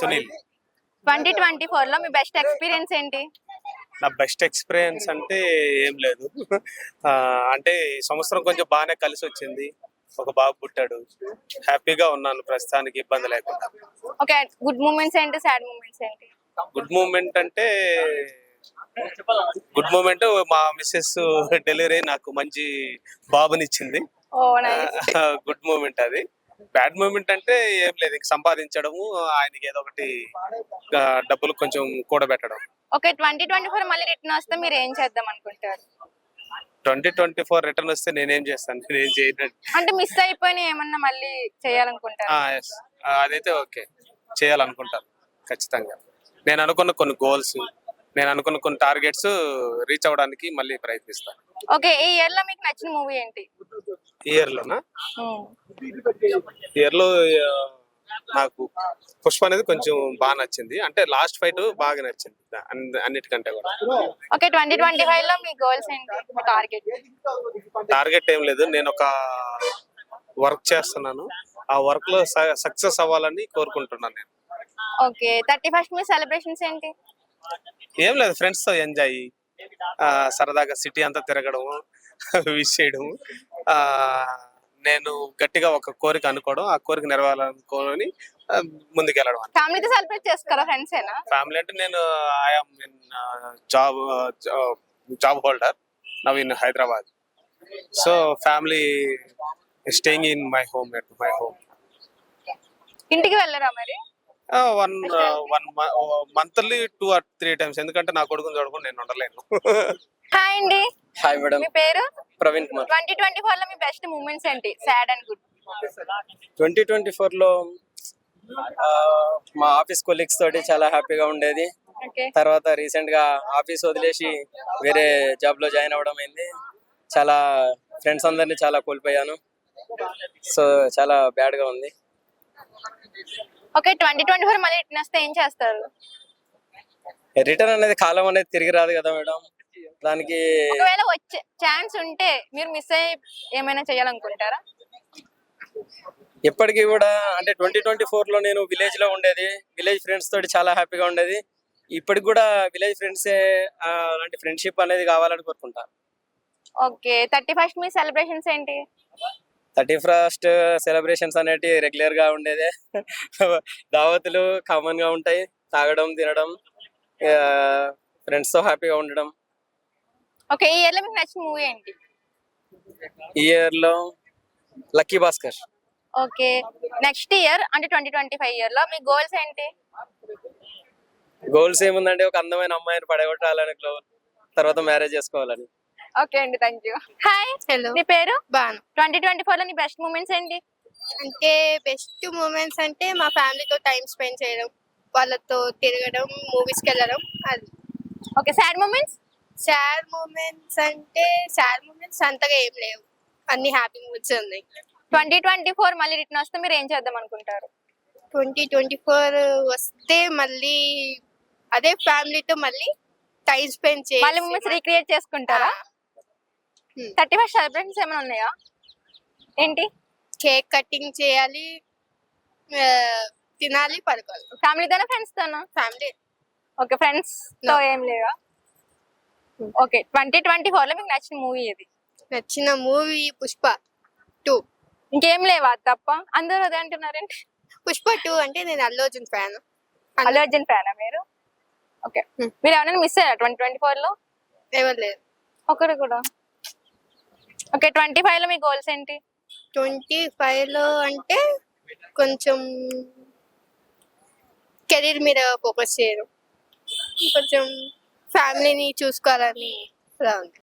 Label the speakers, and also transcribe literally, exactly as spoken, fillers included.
Speaker 1: Sunil.
Speaker 2: Twenty twenty four లో మీ best experience ఏంటి?
Speaker 1: నా బెస్ట్ ఎక్స్పీరియన్స్ అంటే ఏం లేదు. ఆ, అంటే ఈ సంవత్సరం కొంచెం బాగానే కలిసి వచ్చింది. ఒక బాబు పుట్టాడు, హ్యాపీగా ఉన్నాను ప్రస్తుతానికి, ఇబ్బంది లేకుండా.
Speaker 2: ఓకే, గుడ్ మూమెంట్స్ ఏంటి, సాడ్ మూమెంట్స్ ఏంటి?
Speaker 1: గుడ్ మూమెంట్ అంటే గుడ్ మూమెంట్ మా మిస్సెస్ డెలివరీ నాకు మంచి బాబునిచ్చింది.
Speaker 2: Oh nice.
Speaker 1: గుడ్ మూమెంట్ అది. బ్యాడ్ మూమెంట్ అంటే ఏం లేదు, ఇంక సంపాదించడము, ఆయనకి ఏదో ఒకటి ఆ, డబ్బులు కొంచెం కూడబెట్టడం.
Speaker 2: ఓకే, ట్వంటీ ట్వంటీ ఫోర్ మళ్ళీ రిటర్న్ వస్తే మీరు ఏం చేద్దాం అనుకుంటారు?
Speaker 1: ట్వంటీ ట్వంటీ ఫోర్ రిటర్న్ వస్తే నేనేం చేస్తాను, నేనేం చేయను.
Speaker 2: అంటే మిస్ అయిపోయిన ఏమన్నా మళ్ళీ చేయాలనుకుంటారు?
Speaker 1: ఆ, yes. ఆ, అదైతే ఓకే, చేయాలనుకుంటాను ఖచ్చితంగా. నేను అనుకున్న కొన్ని గోల్స్, నేను అనుకున్న కొన్ని టార్గెట్స్ రీచ్ అవ్వడానికి మళ్ళీ ప్రయత్నిస్తాను.
Speaker 2: ఓకే, ఈ ఇయర్ లో మీకు నచ్చిన మూవీ ఏంటి?
Speaker 1: ఇయర్ లోనా? ఇయర్ లో ఆ, నాకు పుష్ప అనేది కొంచెం బాగా నచ్చింది. అంటే లాస్ట్ ఫైట్ బాగా నచ్చింది అన్ని- అన్నిటికంటే కూడా.
Speaker 2: ఓకే, ట్వంటీ ట్వంటీ ఫైవ్ లో మీ గోల్స్ ఏంటి, మీ టార్గెట్?
Speaker 1: టార్గెట్ ఏం లేదు, నేను ఒక వర్క్ చేస్తున్నాను, ఆ వర్క్ లో సక్సెస్ అవ్వాలని కోరుకుంటున్నాను నేను.
Speaker 2: ఓకే, థర్టీ ఫస్ట్ మీ సెలబ్రేషన్స్ ఏంటి?
Speaker 1: ఏం లేదు, ఫ్రెండ్స్ తో ఎంజాయ్, సరదాగా సిటీ అంతా తిరగడం, విష్ చేయడం. ఆ, నేను గట్టిగా ఒక కోరిక అనుకోవడం, ఆ కోరిక నెరవేరాలనుకోని ఆ, ముందుకెళ్ళడం.
Speaker 2: ఫ్యామిలీతో సెలబ్రేట్ చేసుకోరా, ఫ్రెండ్స్ ఏనా?
Speaker 1: ఫ్యామిలీ అంటే నేను I'm in job job holder now in Hyderabad. So family staying in my home, at my home.
Speaker 2: ఇంటికి వెళ్ళరా మరి?
Speaker 1: One one monthly two or three times, ఎందుకంటే నా కొడుకుని చూడకుండా నేను ఉండలేను.
Speaker 2: హాయ్ అండి,
Speaker 3: హాయ్ మేడం,
Speaker 2: మీ పేరు?
Speaker 3: Praveen Kumar.
Speaker 2: Twenty twenty four లో మీ బెస్ట్ మూమెంట్స్ ఏంటి, sad and good?
Speaker 3: Twenty twenty four లో ఆ, మా ఆఫీస్ కొలీగ్స్ తోటి చాలా హ్యాపీగా ఉండేది.
Speaker 2: ఓకే,
Speaker 3: తర్వాత రీసెంట్ గా ఆఫీస్ వదిలేసి వేరే జాబ్ లో జాయిన్ అవ్వడం అయింది. చాలా ఫ్రెండ్స్ అందరినీ చాలా కోల్పోయాను. సో చాలా బ్యాడ్ గా ఉంది.
Speaker 2: ఓకే, ట్వంటీ ట్వంటీ ఫోర్ మళ్ళీ రిటర్న్ వస్తే ఏం చేస్తారు?
Speaker 3: రిటర్న్ అనేది కాలం అనేది తిరిగి రాదు కదా మేడం, దానికి
Speaker 2: ఒకవేళ వచ్చే ఛాన్స్ ఉంటే మీరు మిస్ అయ్యి ఏమైనా చేయాలనుకుంటారా?
Speaker 3: ఎప్పటికీ కూడా అంటే ట్వంటీ ట్వంటీ ఫోర్ లో నేను విలేజ్ లో ఉండేది, విలేజ్ ఫ్రెండ్స్ తోటి చాలా హ్యాపీగా ఉండేది. ఇప్పటికి కూడా విలేజ్ ఫ్రెండ్స్ అలాంటి ఫ్రెండ్షిప్ అనేది కావాలని కోరుకుంటా.
Speaker 2: ఓకే, థర్టీ ఫస్ట్ మీ సెలబ్రేషన్స్ ఏంటి?
Speaker 3: థర్టీ ఫస్ట్ సెలబ్రేషన్స్ అనేటి రెగ్యులర్ గా ఉండేదే. దావతులు కామన్ గా ఉంటాయి, తాగడం తినడం, ఫ్రెండ్స్ తో హ్యాపీగా ఉండడం.
Speaker 2: ఓకే, ఈ ఇయర్ లో మీకు నచ్చిన మూవీ ఏంటి?
Speaker 3: ఈ ఇయర్ లో Lucky Bhaskar.
Speaker 2: Okay, next year అంటే ట్వంటీ ట్వంటీ ఫైవ్ ఇయర్ లో మీ గోల్స్ ఏంటి?
Speaker 3: గోల్స్ ఏముందంటే ఒక అందమైన అమ్మాయిని పడగొట్టాలని గోల్, తర్వాత మ్యారేజ్ చేసుకోవాలని.
Speaker 2: ఓకే అండి, థ్యాంక్ యూ. హాయ్,
Speaker 4: హలో,
Speaker 2: మీ పేరు?
Speaker 4: బాను.
Speaker 2: ట్వంటీ ట్వంటీ ఫోర్ లో నీ బెస్ట్ మూమెంట్స్ ఏంటి?
Speaker 4: అంటే బెస్ట్ మూమెంట్స్ అంటే మా ఫ్యామిలీతో టైం స్పెండ్ చేయడం, వాళ్ళతో తిరగడం, మూవీస్కి వెళ్ళడం. అది.
Speaker 2: Okay, sad moments?
Speaker 4: Sad moments అంటే సాడ్ మూమెంట్స్ అంతగా ఏం లేవు, అన్ని హ్యాపీ మూమెంట్స్ ఉన్నాయి.
Speaker 2: ట్వంటీ ట్వంటీ ఫోర్ మళ్ళీ రిటర్న్ వస్తే మీరు ఏం చేద్దాం అనుకుంటారు?
Speaker 4: ట్వంటీ ట్వంటీ ఫోర్ వస్తే మళ్ళీ అదే ఫ్యామిలీతో మళ్ళీ టైం స్పెండ్
Speaker 2: మళ్ళీ మూమెంట్స్
Speaker 4: చేయాలి.
Speaker 2: రీక్రియేట్ చేసుకుంటారా? థర్టీ ఫస్ట్ సెలబ్రేషన్స్ ఏమైనా ఉన్నాయా ఏంటి?
Speaker 4: కేక్ కటింగ్ చేయాలి, ఆ, తినాలి, పడుకోవాలి.
Speaker 2: ఫ్యామిలీతోనా, ఫ్రెండ్స్ తోనా?
Speaker 4: ఫ్యామిలీ.
Speaker 2: ఓకే, ఫ్రెండ్స్ తో ఏం లేవా? ఓకే, ట్వంటీ ట్వంటీ ఫోర్ లో మీకు నచ్చిన మూవీ ఏది?
Speaker 4: నచ్చిన మూవీ పుష్ప టూ.
Speaker 2: ఇంకేం లేవా అది తప్ప? అందరూ అదే అంటున్నారేంటి?
Speaker 4: పుష్ప టూ అంటే నేను అల్లు అర్జున్ ఫ్యాన్.
Speaker 2: అల్లు అర్జున్ ఫ్యానా మీరు? Okay,
Speaker 4: Hmm.
Speaker 2: మీరు ఏమైనా మిస్ అయ్యారా ట్వంటీ ట్వంటీ ఫోర్ లో?
Speaker 4: ఎవరు లేదు.
Speaker 2: ఒకరు కూడా. ఓకే, ట్వంటీ ఫైవ్ లో మీ గోల్స్ ఏంటి?
Speaker 4: ట్వంటీ ఫైవ్ లో అంటే కొంచెం కెరీర్ మీద ఫోకస్ చేయడం, కొంచెం ఫ్యామిలీని చూసుకోవాలని అలా ఉంది.